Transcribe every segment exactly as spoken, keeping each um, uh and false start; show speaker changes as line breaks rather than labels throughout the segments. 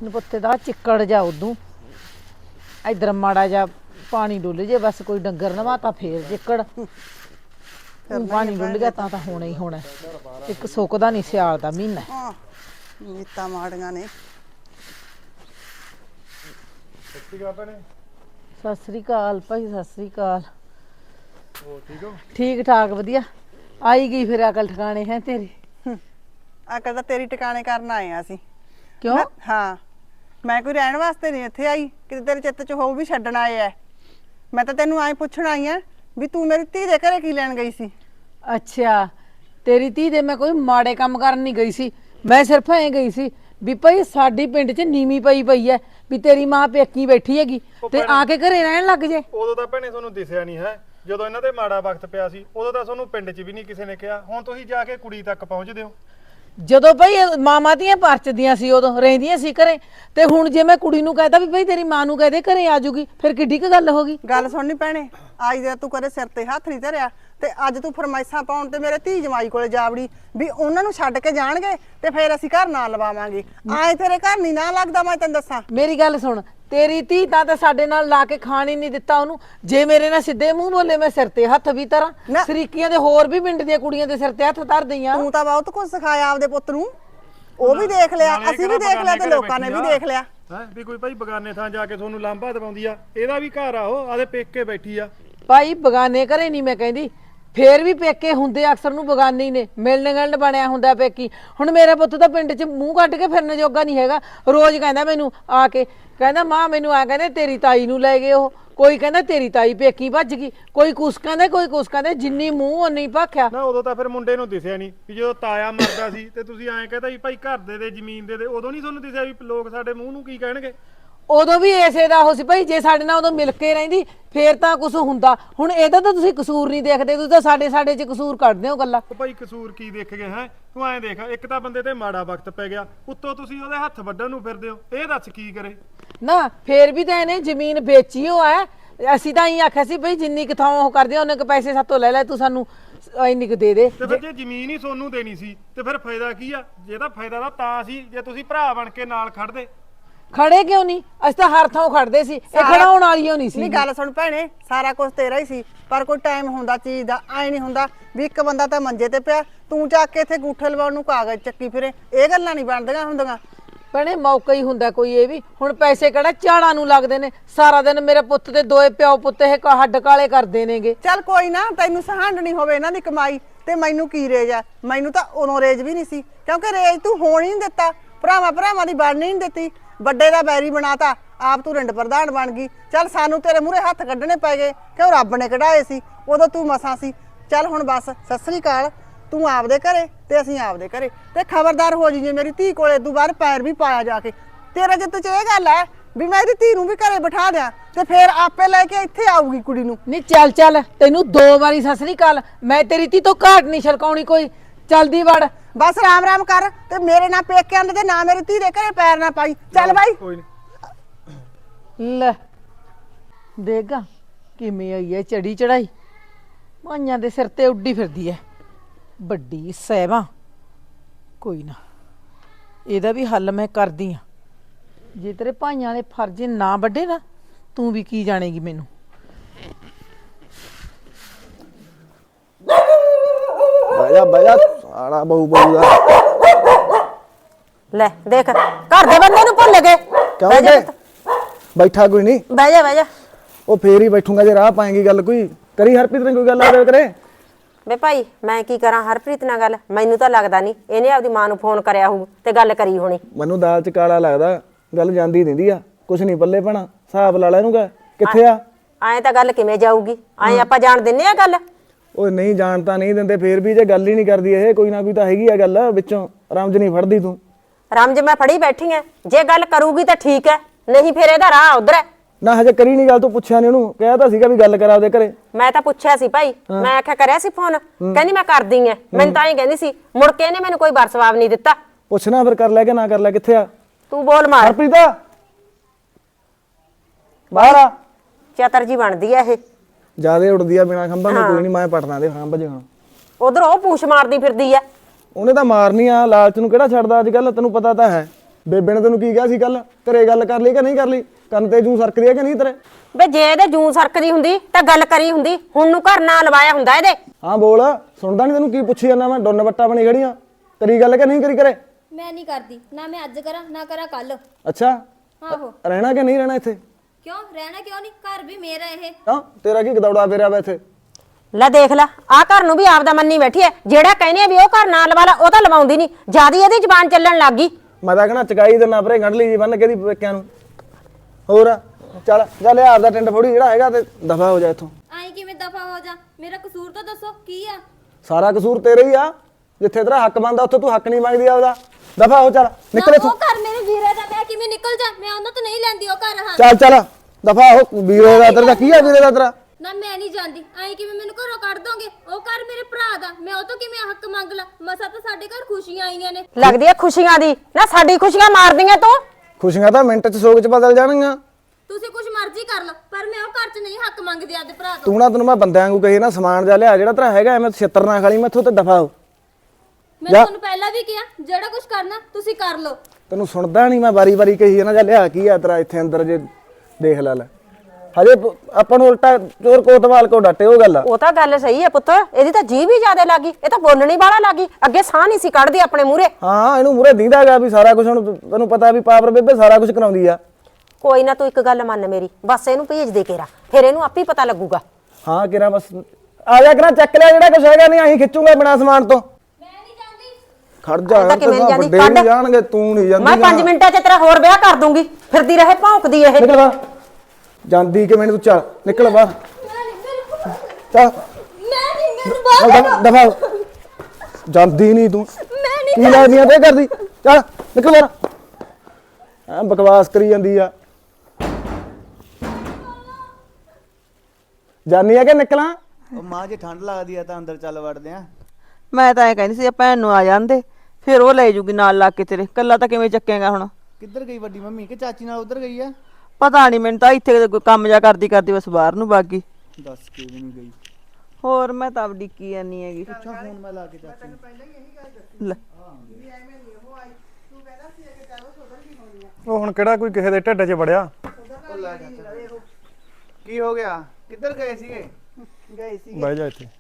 ਨਪੁੱਤੇ ਦਾ ਚਿੱਕੜ ਜਾ ਉਦੋਂ ਇਧਰ ਮਾੜਾ ਜਾ ਪਾਣੀ ਡੁੱਲ ਜੇ ਬਸ ਕੋਈ ਡੰਗਰ ਨਵਾਤਾ ਫੇਰ ਚਿੱਕੜ ਪਾਣੀ ਡੁੱਲ ਗਿਆ ਤਾਂ ਤਾਂ ਹੋਣਾ ਹੀ ਹੋਣਾ ਇੱਕ ਸੁੱਕਦਾ ਨਹੀਂ ਸਿਆਲ ਦਾ ਮਹੀਨਾ
ਹਾਂ ਨੀਤਾਂ ਮਾੜੀਆਂ ਨੇ
ਸਤਿ ਸ੍ਰੀ ਅਕਾਲ ਭਾਈ ਸਤਿ ਸ੍ਰੀ ਅਕਾਲ
ਹੋ ਠੀਕ ਹੋ
ਠੀਕ ਠਾਕ ਵਧੀਆ ਆਈ ਗਈ ਫਿਰ ਅਕਲ ਠਿਕਾਣੇ ਹੈ ਤੇਰੀ
ਅਕਲ ਤਾਂ ਤੇਰੀ ਟਿਕਾਣੇ ਕਰਨ ਆਏ ਆ ਅਸੀਂ
ਕਿਉਂ
ਮੈਂ- ਹਾਂ ਮੈਂ ਕੋਈ ਰਹਿਣ ਵਾਸਤੇ ਨਹੀਂ ਇੱਥੇ ਆਈ ਕਿਤੇ ਤੇਰੇ ਚਿੱਤ 'ਚ ਹੋਊ ਵੀ ਛੱਡਣ ਆਏ ਐ ਮੈਂ ਤਾਂ ਤੈਨੂੰ ਐਂ ਪੁੱਛਣ ਆਈ ਆ ਵੀ ਤੂੰ ਮੇਰੀ ਧੀ ਦੇ ਘਰੇ ਕੀ ਲੈਣ ਗਈ ਸੀ
ਅੱਛਾ ਤੇਰੀ ਧੀ ਦੇ ਮੈਂ ਕੋਈ ਮਾੜੇ ਕੰਮ ਕਰਨ ਨਹੀਂ ਗਈ ਸੀ ਮੈਂ ਸਿਰਫ ਐਂ ਗਈ ਸੀ ਵੀ ਭਾਈ ਸਾਡੀ ਪਿੰਡ 'ਚ ਨੀਵੀਂ ਪਈ ਪਈ ਐ ਵੀ ਤੇਰੀ ਮਾਂ ਪੇਕੀ ਬੈਠੀ ਹੈਗੀ ਤੇ ਆ ਕੇ ਘਰੇ ਰਹਿਣ ਲੱਗ ਜੇ
ਉਦੋਂ ਤਾਂ ਭੈਣੇ ਤੁਹਾਨੂੰ ਦਿਸਿਆ ਨਹੀਂ ਹੈ ਜਦੋਂ ਇਹਨਾਂ ਦੇ ਮਾੜਾ ਵਕਤ ਪਿਆ ਸੀ ਉਦੋਂ ਤਾਂ ਤੁਹਾਨੂੰ ਪਿੰਡ 'ਚ ਵੀ ਨਹੀਂ ਕਿਸੇ ਨੇ ਕਿਹਾ ਹੁਣ ਤੁਸੀਂ ਜਾ ਕੇ ਕੁੜੀ ਤੱਕ ਪਹੁੰਚਦੇ ਹੋ
ਜਦੋਂ ਭਾਈ ਮਾਮਾ ਦੀਆਂ ਪਰਚਦੀਆਂ ਸੀ ਉਦੋਂ ਰਹਿੰਦੀਆਂ ਸੀ ਘਰੇ ਤੇ ਹੁਣ ਜੇ ਮੈਂ ਕੁੜੀ ਨੂੰ ਕਹਤਾ ਵੀ ਭਾਈ ਤੇਰੀ ਮਾਂ ਨੂੰ ਕਹਦੇ ਘਰੇ ਆ ਜੂਗੀ ਫਿਰ ਕਿੱਡੀ ਕੁ ਗੱਲ ਹੋ ਗਈ
ਗੱਲ ਸੁਣਨੀ ਭੈਣੇ ਅੱਜ ਦੇ ਤੂੰ ਕਦੇ ਸਿਰ ਤੇ ਹੱਥ ਨਹੀਂ ਧਰਿਆ ਤੇ ਅੱਜ ਤੂੰ ਫਰਮਾਇਸ਼ਾਂ ਪਾਉਣ ਤੇ ਮੇਰੇ ਧੀ ਜਮਾਈ ਕੋਲੇ ਜਾਵੜੀ ਵੀ ਉਹਨਾਂ ਨੂੰ ਛੱਡ ਕੇ ਜਾਣਗੇ ਤੇ ਫਿਰ ਅਸੀਂ ਘਰ ਨਾ ਲਵਾਵਾਂਗੇ ਆਏ ਤੇਰੇ ਘਰ ਨਹੀਂ ਨਾ ਲੱਗਦਾ ਮੈਂ ਤੈਨੂੰ ਦੱਸਾਂ
ਮੇਰੀ ਗੱਲ ਸੁਣ ਤੇਰੀ ਧੀ ਤਾਂ ਤਾਂ ਸਾਡੇ ਨਾਲ ਲਾ ਕੇ ਖਾਣ ਹੀ ਨਹੀਂ ਦਿੱਤਾ ਉਹਨੂੰ ਜੇ ਮੇਰੇ ਨਾਲ ਸਿੱਧੇ ਮੂੰਹ ਬੋਲੇ ਮੈਂ ਸਿਰ ਤੇ ਹੱਥ ਵੀ ਧਰਾਂ
ਨਾ।
ਸਰੀਕੀਆਂ ਦੇ ਹੋਰ ਵੀ ਪਿੰਡ ਦੀਆਂ ਕੁੜੀਆਂ ਦੇ ਸਿਰ ਤੇ ਹੱਥ ਧਰ ਦਈਆਂ
ਤੂੰ ਤਾਂ ਬਹੁਤ ਕੁਝ ਸਿਖਾਇਆ ਆਪਦੇ ਪੁੱਤ ਨੂੰ ਉਹ ਵੀ ਦੇਖ ਲਿਆ
ਨਾਲੇ
ਅਸੀਂ ਵੀ
ਕਿਹੜਾ
ਦੇਖ ਲਿਆ ਤੇ
ਬਗਾਨੇ
ਲੋਕਾਂ ਨੇ ਵੀ
ਘਰੇ
ਦੇਖ ਲਿਆ
ਹੈ ਵੀ ਕੋਈ ਭਾਈ ਬਗਾਨੇ ਥਾਂ ਜਾ ਕੇ ਤੁਹਾਨੂੰ ਲਾਂਭਾ ਦਵਾਉਂਦੀ ਆ ਇਹਦਾ ਵੀ ਘਰ ਆ ਉਹ ਆਦੇ ਪੇਕੇ ਬੈਠੀ ਆ
ਭਾਈ ਬਗਾਨੇ ਘਰੇ ਨਹੀਂ ਮੈਂ ਕਹਿੰਦੀ ਫੇਰ ਵੀ ਪੇਕੇ ਹੁੰਦੇ ਅਕਸਰ ਨੂੰ ਬਗਾਨੇ ਹੀ ਨੇ ਮਿਲਣ ਗਲਣ ਬਣਿਆ ਹੁੰਦਾ ਪੇਕੀ ਹੁਣ ਮੇਰਾ ਪੁੱਤ ਤਾਂ ਪਿੰਡ 'ਚ ਮੂੰਹ ਕੱਢ ਕੇ ਫਿਰਨ ਜੋਗਾ ਨਹੀਂ ਹੈਗਾ ਰੋਜ਼ ਕਹਿੰਦਾ ਮੈਨੂੰ ਆ ਕੇ ਕਹਿੰਦਾ ਮਾਂ ਮੈਨੂੰ ਆ ਕਹਿੰਦੇ ਤੇਰੀ ਤਾਈ ਨੂੰ ਲੈ ਗਏ ਉਹ ਕੋਈ ਕਹਿੰਦਾ ਤੇਰੀ ਤਾਈ ਪੇਕੀ ਭੱਜ ਗਈ ਕੋਈ ਕੁਛ ਕਹਿੰਦਾ ਕੋਈ ਕੁਛ ਕਹਿੰਦਾ ਜਿੰਨੀ ਮੂੰਹ ਉਨੀ ਭਾਖਿਆ
ਨਾ ਉਦੋਂ ਤਾਂ ਫਿਰ ਮੁੰਡੇ ਨੂੰ ਦਿਸਿਆ ਨਹੀਂ ਵੀ ਜਦੋਂ ਤਾਇਆ ਮਰਦਾ ਸੀ ਤੇ ਤੁਸੀਂ ਐਂ ਕਹਿੰਦਾ ਵੀ ਭਾਈ ਘਰ ਦੇ ਦੇ ਜ਼ਮੀਨ ਦੇ ਦੇ ਉਦੋਂ ਨਹੀਂ ਤੁਹਾਨੂੰ ਦਿਸਿਆ ਵੀ ਲੋਕ ਸਾਡੇ ਮੂੰਹ ਨੂੰ ਕੀ ਕਹਿਣਗੇ
ਉਦੋਂ ਵੀ ਐਸੇ ਦਾ ਉਹ ਸੀ ਭਾਈ ਜੇ ਸਾਡੇ ਨਾਲ ਉਦੋਂ ਮਿਲ ਕੇ ਰਹਿੰਦੀ ਫੇਰ ਤਾਂ ਕੁਝ ਹੁੰਦਾ ਹੁਣ ਇਹਦਾ ਤਾਂ ਤੁਸੀਂ ਕਸੂਰ ਨਹੀਂ ਦੇਖਦੇ ਤੁਸੀਂ ਤਾਂ ਸਾਡੇ ਸਾਡੇ 'ਚ ਕਸੂਰ ਕੱਢਦੇ ਹੋ ਗੱਲਾਂ
ਉਹ ਭਾਈ ਕਸੂਰ ਕੀ ਦੇਖ ਗਏ ਹੈ ਤੂੰ ਐਂ ਦੇਖ ਇੱਕ ਤਾਂ ਬੰਦੇ ਤੇ ਮਾੜਾ ਵਕਤ ਪੈ ਗਿਆ ਉੱਤੋਂ ਤੁਸੀਂ ਉਹਦੇ ਹੱਥ ਵੱਢਣ ਨੂੰ ਫਿਰਦੇ ਹੋ ਇਹ ਦੱਸ ਕੀ ਕਰੇ
ਨਾ ਫੇਰ ਵੀ ਤਾਂ ਇਹਨੇ ਜ਼ਮੀਨ ਵੇਚੀ ਹੋ ਹੈ ਅਸੀਂ ਤਾਂ ਹੀ ਆਖਿਆ ਸੀ ਭਾਈ ਜਿੰਨੀ ਕੁ ਥਾਂ ਉਹ ਕਰਦੇ ਉਹਨੇ ਕੁ ਪੈਸੇ ਸਾਤੋਂ ਲੈ ਲੈ ਤੂੰ ਸਾਨੂੰ ਇੰਨੀ ਕੁ ਦੇ ਦੇ
ਤੇ ਫਿਰ ਜੇ ਜ਼ਮੀਨ ਹੀ ਸੋਨੂੰ ਦੇਣੀ ਸੀ ਤੇ ਫਿਰ ਫਾਇਦਾ ਕੀ ਆ ਜੇ ਤਾਂ ਫਾਇਦਾ ਤਾਂ ਤਾਂ ਸੀ ਜੇ ਤੁਸੀਂ ਭਰਾ ਬਣ ਕੇ ਨਾਲ ਖੜਦੇ
ਖੜੇ ਕਿਉਂ ਨਹੀਂ ਅਸੀਂ ਤਾਂ ਹਰ ਥਾਂ ਖੜਦੇ ਸੀ ਇਹ ਖੜਾਉਣ ਵਾਲੀਓ ਨਹੀਂ ਸੀ
ਨਹੀਂ ਗੱਲ ਸੁਣ ਭੈਣੇ ਸਾਰਾ ਕੁਝ ਤੇਰਾ ਹੀ ਸੀ ਪਰ ਕੋਈ ਟਾਈਮ ਹੁੰਦਾ ਚੀਜ਼ ਦਾ ਐ ਨਹੀਂ ਹੁੰਦਾ ਵੀ ਇੱਕ ਬੰਦਾ ਤਾਂ ਮੰਜੇ ਤੇ ਪਿਆ ਤੂੰ ਚੱਕ ਕੇ ਇੱਥੇ ਗੂਠੇ ਲਵਾਉਣ ਨੂੰ ਕਾਗਜ਼ ਚੱਕੀ ਫਿਰੇ ਇਹ ਗੱਲਾਂ ਨਹੀਂ ਬਣਦੀਆਂ ਹੁੰਦੀਆਂ
ਭੈਣੇ ਮੌਕਾ ਹੀ ਹੁੰਦਾ ਕੋਈ ਇਹ ਵੀ ਹੁਣ ਪੈਸੇ ਕਿਹੜਾ ਝਾੜਾਂ ਨੂੰ ਲੱਗਦੇ ਨੇ ਸਾਰਾ ਦਿਨ ਮੇਰੇ ਪੁੱਤ ਦੇ ਦੋਏ ਪਿਓ ਪੁੱਤ ਇਹ ਹੱਡ ਕਾਲੇ ਕਰਦੇ ਨੇਗੇ
ਚੱਲ ਕੋਈ ਨਾ ਤੈਨੂੰ ਸਹਾਂਡਣੀ ਹੋਵੇ ਇਹਨਾਂ ਦੀ ਕਮਾਈ ਤੇ ਮੈਨੂੰ ਕੀ ਰੇਜ ਆ ਮੈਨੂੰ ਤਾਂ ਉਦੋਂ ਰੇਜ ਵੀ ਨਹੀਂ ਸੀ ਕਿਉਂਕਿ ਰੇਜ ਤੂੰ ਹੋਣ ਹੀ ਨਹੀਂ ਦਿੱਤਾ ਭਰਾਵਾਂ ਭਰਾਵਾਂ ਦੀ ਬਣਨੀ ਨਹੀਂ ਦਿੱਤੀ ਵੱਡੇ ਦਾ ਬੈਰੀ ਬਣਾਤਾ ਆਪ ਤੂੰ ਰਿੰਡ ਪ੍ਰਧਾਨ ਬਣ ਗਈ ਚੱਲ ਸਾਨੂੰ ਤੇਰੇ ਮੂਹਰੇ ਹੱਥ ਕੱਢਣੇ ਪੈ ਗਏ ਕਿਉਂ ਰੱਬ ਨੇ ਕਢਾਏ ਸੀ ਉਦੋਂ ਤੂੰ ਮਸਾਂ ਸੀ ਚੱਲ ਹੁਣ ਬਸ ਸਤਿ ਸ੍ਰੀ ਅਕਾਲ ਤੂੰ ਆਪਦੇ ਘਰੇ ਤੇ ਅਸੀਂ ਆਪਦੇ ਘਰੇ ਤੇ ਖਬਰਦਾਰ ਹੋ ਜੀ ਜੇ ਮੇਰੀ ਧੀ ਕੋਲੇ ਤੂੰ ਬਾਹਰ ਪੈਰ ਵੀ ਪਾਇਆ ਜਾ ਕੇ ਤੇਰੇ ਜਿੱਤ 'ਚ ਇਹ ਗੱਲ ਹੈ ਵੀ ਮੈਂ ਇਹਦੀ ਧੀ ਨੂੰ ਵੀ ਘਰੇ ਬਿਠਾ ਦਿਆਂ ਤੇ ਫੇਰ ਆਪੇ ਲੈ ਕੇ ਇੱਥੇ ਆਊਗੀ ਕੁੜੀ ਨੂੰ
ਨਹੀਂ ਚੱਲ ਚੱਲ ਤੈਨੂੰ ਦੋ ਵਾਰੀ ਸਤਿ ਸ੍ਰੀ ਅਕਾਲ ਮੈਂ ਤੇਰੀ ਧੀ ਤੋਂ ਘਾਟ ਨਹੀਂ ਛਲਕਾਉਣੀ ਕੋਈ ਚਲਦੀ ਵੜ
ਬਸ ਰਾਮ ਰਾਮ ਕਰ ਤੇ ਮੇਰੇ ਨਾਲ ਪੇਕਿਆਂ ਦੇ ਨਾ ਮੇਰੀ ਧੀ ਦੇ ਘਰੇ ਪੈਰ ਨਾ ਪਾਈ ਚੱਲ ਬਾਈ
ਕੋਈ ਨਹੀਂ
ਲੈ ਦੇਗਾ ਕਿਵੇਂ ਆਈ ਐ ਚੜੀ ਚੜਾਈ ਮਾਈਆਂ ਦੇ ਸਿਰ ਤੇ ਉੱਡੀ ਫਿਰਦੀ ਐ ਵੱਡੀ ਸਹਿਬਾ ਕੋਈ ਨਾ ਇਹਦਾ ਵੀ ਹੱਲ ਮੈਂ ਕਰਦੀ ਆ ਜੇ ਤੇਰੇ ਭਾਈਆਂ ਵਾਲੇ ਫਰਜ਼ ਨਾ ਵੱਡੇ ਨਾ ਤੂੰ ਵੀ ਕੀ ਜਾਣੇਗੀ ਮੈਨੂੰ
ਬਾਜਾ ਬਾਜਾ ਸਾਲਾ ਬਹੁ ਬਹੁ ਦਾ
ਲੈ ਦੇਖ ਘਰ ਦੇ ਬੰਦੇ ਨੂੰ ਭੁੱਲ ਗਏ
ਕਿਉਂ
ਬਹਿ ਜਾ
ਕਿ ਬੈਠਾ ਕੋਈ ਨਹੀਂ
ਬਹਿ ਜਾ ਬਹਿ ਜਾ
ਉਹ ਫੇਰ ਹੀ ਬੈਠੂਗਾ ਜੇ ਰਾਹ ਪਾਏਗੀ ਗੱਲ ਕੋਈ ਕਰੀ ਹਰਪ੍ਰੀਤ ਨੇ ਕੋਈ ਗੱਲ ਆਵੇ ਕਰੇ
ਵੇ ਭਾਈ ਮੈਂ ਕੀ ਕਰਾਂ ਹਰਪ੍ਰੀਤ ਨਾਲ ਗੱਲ ਮੈਨੂੰ ਤਾਂ ਲੱਗਦਾ ਨਹੀਂ ਇਹਨੇ ਆਪਦੀ ਮਾਂ ਨੂੰ ਫੋਨ ਕਰਿਆ ਹੋਊ ਤੇ ਗੱਲ ਕਰੀ ਹੋਣੀ
ਮੈਨੂੰ ਦਾਲ ਚ ਕਾਲਾ ਲੱਗਦਾ ਗੱਲ ਜਾਂਦੀ ਦਿੰਦੀ ਆ ਕੁਛ ਨਹੀਂ ਪੱਲੇ ਪਣਾ ਹਿਸਾਬ ਲਾ ਲੈ ਇਹਨੂੰ ਕਹ ਕਿੱਥੇ ਆ
ਐਂ ਤਾਂ ਗੱਲ ਕਿਵੇਂ ਜਾਊਗੀ ਐਂ ਆਪਾਂ ਜਾਣ ਦਿੰਨੇ ਆ ਗੱਲ
ਉਹ ਨਹੀਂ ਜਾਣਤਾ ਨਹੀਂ ਦਿੰਦੇ ਫੇਰ ਵੀ ਜੇ ਗੱਲ ਹੀ ਨਹੀਂ ਕਰਦੀ ਇਹ ਕੋਈ ਨਾ ਕੋਈ ਤਾਂ ਹੈਗੀ ਆ ਗੱਲ ਵਿੱਚੋਂ ਰਮਜ ਨਹੀਂ ਫੜਦੀ ਤੂੰ
ਰਮਜ ਮੈਂ ਫੜੀ ਬੈਠੀ ਐ ਜੇ ਗੱਲ ਕਰੂਗੀ ਤਾਂ ਠੀਕ ਐ ਨਹੀਂ ਫਿਰ ਇਹਦਾ ਰਾਹ ਉਧਰ ਐ
ਨਾ ਹਜੇ ਕਰੀ ਨਹੀਂ ਗੱਲ ਤੂੰ ਪੁੱਛਿਆ ਨਹੀਂ ਉਹਨੂੰ ਕਿਹਾ ਤਾਂ ਸੀਗਾ ਵੀ ਗੱਲ ਕਰਾ ਉਹਦੇ ਘਰੇ
ਮੈਂ ਤਾਂ ਪੁੱਛਿਆ ਸੀ ਭਾਈ ਮੈਂ ਆਖਿਆ ਕਰਿਆ ਸੀ ਫੋਨ ਕਹਿੰਦੀ ਮੈਂ ਕਰਦੀ ਐ ਮੈਨੂੰ ਤਾਂ ਹੀ ਕਹਿੰਦੀ ਸੀ ਮੁੜ ਕੇ ਇਹਨੇ ਮੈਨੂੰ ਕੋਈ ਬਰਸਵਾਬ ਨਹੀਂ ਦਿੱਤਾ
ਪੁੱਛਣਾ ਫਿਰ ਕਰ ਲੈ ਕਿ ਨਾ ਕਰ ਲੈ ਕਿੱਥੇ ਆ
ਤੂੰ ਬੋਲ ਮਾਰ
ਹਰਪ੍ਰੀਤ ਬਾਹਰ ਆ
ਚਤਰ ਜੀ ਬਣਦੀ ਐ ਇਹ
ਜਿਆਦੇ ਉੜਦੀ ਆ ਬਿਨਾ ਖੰਭਾਂ ਨੂੰ ਕੋਈ ਨਹੀਂ ਮੈਂ ਪਟਣਾ ਦੇ ਖੰਭ ਜਣਾ
ਉਧਰ ਉਹ ਪੂਛ ਮਾਰਦੀ ਫਿਰਦੀ ਐ
ਉਹਨੇ ਤਾਂ ਮਾਰਨੀ ਆ ਲਾਲਚ ਨੂੰ ਕਿਹੜਾ ਛੱਡਦਾ ਅੱਜ ਕੱਲ ਤੈਨੂੰ ਪਤਾ ਤਾਂ ਹੈ ਬੇਬੇ ਨੇ ਤੈਨੂੰ ਕੀ ਕਿਹਾ ਸੀ ਕੱਲ? ਘਰੇ ਗੱਲ ਕਰ ਲਈ ਕਿ ਨਹੀਂ ਕਰ ਲਈ? ਕੰਨ ਤੇ ਜੂ ਸਰਕਦੀ ਹੈ ਕਿ ਨਹੀਂ ਤੇਰੇ?
ਵੇ ਜੇ ਇਹਦੇ ਜੂੰ ਸਰਕਦੀ ਹੁੰਦੀ ਤਾਂ ਗੱਲ ਕਰੀ ਹੁੰਦੀ, ਹੁਣ ਨੂੰ ਘਰ ਨਾ ਲਵਾਇਆ ਹੁੰਦਾ ਇਹਦੇ।
ਹਾਂ ਬੋਲ, ਸੁਣਦਾ ਨਹੀਂ ਤੈਨੂੰ ਕੀ ਪੁੱਛੀ ਜਾਂਦਾ ਮੈਂ? ਡੁੰਨ ਵੱਟਾ ਬਣੀ ਖੜੀਆਂ, ਕਰੀ ਗੱਲ ਕਿ ਨਹੀਂ ਕਰੀ ਕਰੇ?
ਮੈਂ ਨਹੀਂ ਕਰਦੀ, ਨਾ ਮੈਂ ਅੱਜ ਕਰਾਂ ਨਾ ਕਰਾਂ ਕੱਲ।
ਅੱਛਾ,
ਆਹੋ।
ਰਹਿਣਾ ਕਿ ਨਹੀਂ ਰਹਿਣਾ ਇੱਥੇ?
ਕਿਉਂ ਰਹਿਣਾ ਕਿਉਂ ਨਹੀਂ, ਘਰ ਵੀ ਮੇਰਾ ਇਹ।
ਹਾਂ, ਤੇਰਾ ਕੀ ਗਦੌੜਾ ਫੇਰਿਆ ਵਾ ਇੱਥੇ?
ਲੈ ਦੇਖ ਲੈ, ਆਹ ਘਰ ਨੂੰ ਵੀ ਆਪਦਾ ਮੰਨੀ ਬੈਠੀ ਐ। ਜਿਹੜਾ ਕਹਿੰਦੇ ਆ ਵੀ ਉਹ ਘਰ ਨਾ ਲਵਾ ਲਾ, ਉਹ ਤਾਂ ਲਵਾਉਂਦੀ ਨਹੀਂ, ਜਿਆਦੀ ਇਹਦੀ ਜ਼ਬਾਨ ਚੱਲਣ ਲੱਗ ਗਈ।
ਮੈਂ ਤਾਂ ਕਹਿਣਾ ਚਕਾਈ ਦੇ ਨਾ ਪਰੇ ਗੰਢ ਲਈ ਜੀ ਬੰਨ ਕੇ ਦੀ ਪੇਕਿਆਂ ਨੂੰ। ਹੋਰ ਚੱਲ ਜਾ ਲਿਆ ਆਪਦਾ ਟਿੰਡ ਫੋੜੀ ਜਿਹੜਾ ਹੈਗਾ ਤੇ ਦਫਾ ਹੋ ਜਾ ਇੱਥੋਂ।
ਆਈ ਕਿਵੇਂ ਦਫਾ ਹੋ ਜਾ, ਮੇਰਾ ਕਸੂਰ ਤਾਂ ਦੱਸੋ ਕੀ ਆ।
ਸਾਰਾ ਕਸੂਰ ਤੇਰਾ ਹੀ ਆ, ਜਿੱਥੇ ਤੇਰਾ ਹੱਕ ਬਣਦਾ ਉੱਥੇ ਤੂੰ ਹੱਕ ਨਹੀਂ ਮੰਗਦੀ ਆਪਦਾ। ਦਫਾ ਹੋ, ਚੱਲ ਨਿਕਲ
ਨਾ
ਇੱਥੋਂ।
ਉਹ ਘਰ ਮੇਰੇ ਵੀਰੇ ਦਾ, ਮੈਂ ਕਿਵੇਂ ਨਿਕਲ ਜਾ, ਮੈਂ ਉਹਨਾਂ ਤੋਂ ਨਹੀਂ ਲੈਂਦੀ ਉਹ ਘਰ। ਹਾਂ
ਚੱਲ ਚੱਲ ਦਫਾ ਹੋ, ਵੀਰੇ ਦਾ ਤੇਰਾ ਕੀ ਆ? ਵੀਰੇ ਦਾ ਤੇਰਾ
ਨਾ ਮੈਂ ਨਹੀਂ ਜਾਂਦੀ, ਆਈ ਕਿਵੇਂ ਮੈਨੂੰ ਘਰੋਂ ਕੱਢ ਦੋਗੇ। ਉਹ ਘਰ ਮੇਰੇ ਭਰਾ ਦਾ, ਮੈਂ ਉਹ ਤੋਂ ਕਿਵੇਂ ਹੱਕ ਮੰਗ ਲਾ। ਮਸਾ ਤਾਂ ਸਾਡੇ ਘਰ ਖੁਸ਼ੀਆਂ ਆਈਆਂ ਨੇ।
ਲੱਗਦੀ ਐ ਖੁਸ਼ੀਆਂ ਦੀ, ਨਾ ਸਾਡੀ ਖੁਸ਼ੀਆਂ ਮਾਰਦੀਆਂ ਤੂੰ।
ਖੁਸ਼ੀਆਂ ਤਾਂ ਮਿੰਟ ਚ ਸੋਗ ਚ ਬਦਲ ਜਾਣਗੀਆਂ।
ਤੁਸੀਂ ਕੁਝ ਮਰਜ਼ੀ ਕਰ ਲਓ, ਪਰ ਮੈਂ ਉਹ ਘਰ 'ਚ ਨਹੀਂ ਹੱਕ ਮੰਗਦੀ ਆਪਦੇ ਭਰਾ ਤੋਂ।
ਤੂੰ ਨਾ ਤੈਨੂੰ ਮੈਂ ਬੰਦਿਆਂ ਵਾਂਗੂ ਕਹੀ ਨਾ, ਸਮਾਨ ਜਾ ਲਿਆ ਜਿਹੜਾ ਤੇਰਾ ਹੈਗਾ, ਐਵੇਂ ਛਿੱਤਰ ਨਾ ਖਾਲੀ ਮੈਥੋਂ ਤੇ ਦਫਾ ਹੋ।
ਮੈਂ ਤੁਹਾਨੂੰ ਪਹਿਲਾਂ ਵੀ ਕਿਹਾ, ਜਿਹੜਾ ਕੁਝ ਕਰਨਾ ਤੁਸੀਂ ਕਰ ਲਓ।
ਤੈਨੂੰ ਸੁਣਦਾ ਨਹੀਂ, ਮੈਂ ਵਾਰੀ ਵਾਰੀ ਕਹੀ ਨਾ, ਜਾ ਲਿਆ ਕੀ ਆ ਤੇਰਾ ਇੱਥੇ ਅੰਦਰ ਜੇ ਦੇਖ ਲੈ ਲੈ। ਹਜੇ ਪ- ਆਪਾਂ ਨੂੰ ਉਲਟਾ ਚੋਰ ਕੋਤਵਾਲ ਕੋ ਡਾਟੇ, ਉਹ ਗੱਲ ਆ।
ਉਹ ਤਾਂ ਗੱਲ ਸਹੀ ਹੈ ਪੁੱਤ, ਇਹਦੀ ਤਾਂ ਜੀਭ ਹੀ ਜ਼ਿਆਦਾ ਲੱਗੀ, ਇਹ ਤਾਂ ਬੋਲਣੀ ਵਾਲਾ ਲੱਗੀ। ਅੱਗੇ ਸਾਹ ਨਹੀਂ ਸੀ ਕੱਢਦੀ ਆਪਣੇ ਮੂਹਰੇ।
ਹਾਂ, ਇਹਨੂੰ ਮੂਰੇ ਦੀਂਦਾ ਹੈਗਾ ਵੀ ਸਾਰਾ ਕੁਝ, ਹੁਣ ਤੈਨੂੰ ਪਤਾ ਵੀ ਪਾਵਰ ਬੇਬੇ ਸਾਰਾ ਕੁਝ ਕਰਾਉਂਦੀ ਆ।
ਕੋਈ ਨਾ, ਤੂੰ ਇੱਕ ਗੱਲ ਮੰਨ ਮੇਰੀ, ਬਸ ਇਹਨੂੰ ਭੇਜ ਦੇ ਕੇਰਾ, ਫਿਰ ਇਹਨੂੰ ਆਪੇ ਪਤਾ ਲੱਗੂਗਾ।
ਹਾਂ ਕਿਰਾ ਬਸ ਆ ਜਾ ਕਰਾ, ਚੱਕ ਲਿਆ ਜਿਹੜਾ ਕੁਝ ਹੈਗਾ, ਨਹੀਂ ਅਸੀਂ ਖਿੱਚੂਗੇ ਬਿਨਾ ਸਮਾਨ ਤੋਂ।
ਮੈਂ ਨਹੀਂ ਜਾਂਦੀ।
ਖੜ ਜਾ,
ਤਾਂ ਕਿਵੇਂ
ਵੱਡੇ
ਜਾਂਦੀ?
ਨਹੀਂ
ਕੱਢ।
ਜਾਣਗੇ, ਤੂੰ ਨਹੀਂ ਜਾਂਦੀ।
ਮੈਂ ਪੰਜ ਮਿੰਟਾਂ 'ਚ ਤੇਰਾ ਹੋਰ ਵਿਆਹ ਕਰ ਦੂੰਗੀ, ਫਿਰਦੀ ਰਹੇ ਭੌਂਕਦੀ ਇਹ।
ਨਿਕਲ ਬਾਹਰ, ਜਾਂਦੀ ਕਿ ਮੈਨੂੰ? ਤੂੰ ਚੱਲ ਨਿਕਲ ਬਾਹਰ,
ਮੈਂ ਨਹੀਂ, ਮੈਨੂੰ
ਚੱਲ
ਮੈਂ ਨਹੀਂ, ਮੈਨੂੰ ਬਾਹਰ
ਦਫਾ। ਜਾਂਦੀ ਨਹੀਂ ਤੂੰ,
ਮੈਂ ਨਹੀਂ
ਕੀ ਲੱਗਦੀਆਂ ਤੇ ਕਰਦੀ? ਚੱਲ ਨਿਕਲ ਬਾਹਰ, ਐ ਬਕਵਾਸ ਕਰੀ ਜਾਂਦੀ ਆ। ਜਾਨੀ ਆ ਕਿ ਨਿਕਲਾਂ?
ਉਹ ਮਾਂ ਜੇ ਠੰਡ ਲੱਗਦੀ ਆ ਤਾਂ ਅੰਦਰ ਚੱਲ ਵੜਦੇ ਆ।
ਮੈਂ ਤਾਂ ਐ ਕਹਿੰਦੀ ਸੀ ਭੈਣ ਨੂੰ ਆ ਜਾਂਦੇ, ਫਿਰ ਉਹ ਲੈ ਜੂਗੀ ਨਾਲ ਲਾ ਕੇ ਤੇਰੇ। ਕੱਲਾ ਤਾਂ ਕਿਵੇਂ ਚੱਕੇਗਾ ਹੁਣ?
ਕਿੱਧਰ ਗਈ ਵੱਡੀ ਮੰਮੀ ਕਿ ਚਾਚੀ ਨਾਲ ਉਧਰ ਗਈ ਆ?
ਪਤਾ ਨਹੀਂ, ਮੈਨੂੰ ਤਾਂ ਇੱਥੇ ਕੋਈ ਕੰਮ ਜਾ ਕਰਦੀ ਕਰਦੀ ਬਸ ਬਾਹਰ ਨੂੰ ਵਗ ਗਈ।
ਦੱਸ ਕੇ ਵੀ ਨਹੀਂ ਗਈ।
ਹੋਰ ਮੈਂ ਤਾਂ ਡਿੱਕੀ ਜਾਨੀ ਹੈਗੀ।
ਪੁੱਛਾਂ ਫੋਨ ਮੈਂ ਲਾ ਕੇ ਚਾਚੀ ਨੂੰ।
ਲੈ,
ਉਹ ਹੁਣ ਕਿਹੜਾ ਕੋਈ ਕਿਸੇ ਦੇ ਢਿੱਡ 'ਚ ਵੜਿਆ।
ਉਹ ਲੈ ਚਾਚਾ, ਕੀ ਹੋ ਗਿਆ? ਕਿੱਧਰ ਗਏ ਸੀਗੇ?
ਗਏ ਸੀ।
ਬਹਿ ਜਾ ਇੱਥੇ।